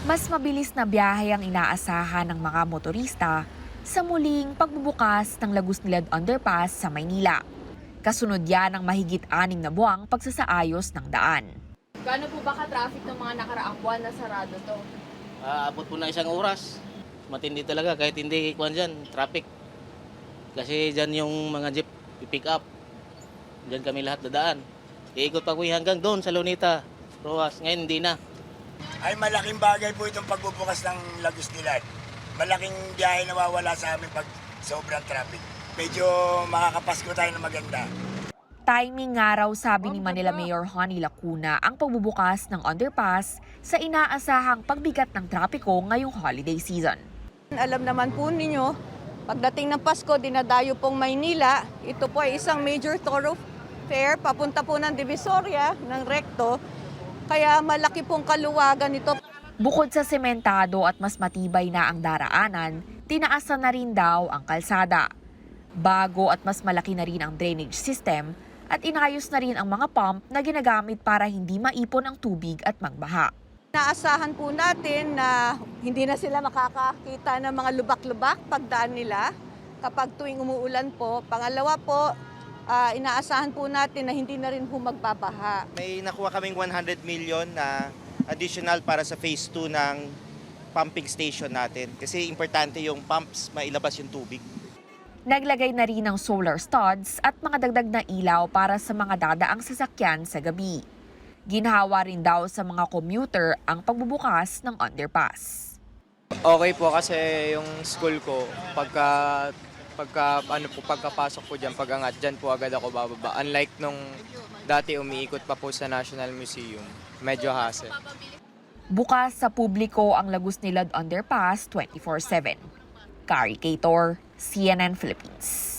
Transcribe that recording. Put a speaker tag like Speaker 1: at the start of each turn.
Speaker 1: Mas mabilis na biyahe ang inaasahan ng mga motorista sa muling pagbubukas ng Lagos Nilad Underpass sa Maynila. Kasunod yan ng mahigit 6 na buwang pagsasaayos ng daan.
Speaker 2: Gaano po ba ka-traffic ng mga nakaraang buwan na sarado to?
Speaker 3: Abot po na 1 oras. Matindi talaga kahit hindi kuwan dyan, traffic. Kasi dyan yung mga jeep pick up. Dyan kami lahat dadaan. Iikot pa ko hanggang doon sa Lunita, Rojas. Ngayon hindi na.
Speaker 4: Ay malaking bagay po itong pagbubukas ng Lagos Nilad. Malaking biyahe na wawala sa amin pag sobrang traffic. Medyo makakapasko tayo na maganda.
Speaker 1: Timing nga raw, sabi ni Manila Mayor Honey Lacuna, ang pagbubukas ng underpass sa inaasahang pagbigat ng trapiko ngayong holiday season.
Speaker 5: Alam naman po ninyo, pagdating ng Pasko, dinadayo pong Maynila. Ito po ay isang major thoroughfare papunta po ng Divisoria, ng Recto. Kaya malaki pong kaluwagan nito.
Speaker 1: Bukod sa sementado at mas matibay na ang daraanan, tinaasan na rin daw ang kalsada. Bago at mas malaki na rin ang drainage system at inayos na rin ang mga pump na ginagamit para hindi maipon ang tubig at magbaha.
Speaker 5: Naasahan po natin na hindi na sila makakakita ng mga lubak-lubak pagdaan nila kapag tuwing umuulan po. Pangalawa po, inaasahan po natin na hindi na rin po magbabaha.
Speaker 6: May nakuha kaming 100 million na additional para sa phase 2 ng pumping station natin. Kasi importante yung pumps, mailabas yung tubig.
Speaker 1: Naglagay na rin ng solar studs at mga dagdag na ilaw para sa mga dadaang sasakyan sa gabi. Ginhawa rin daw sa mga commuter ang pagbubukas ng underpass.
Speaker 7: Okay po kasi yung school ko, pagkapasok po dyan, pag-angat dyan po agad ako bababa. Unlike nung dati umiikot pa po sa National Museum, medyo hassle.
Speaker 1: Bukas sa publiko ang Lagos Nilad Underpass 24/7. Kari Cator, CNN Philippines.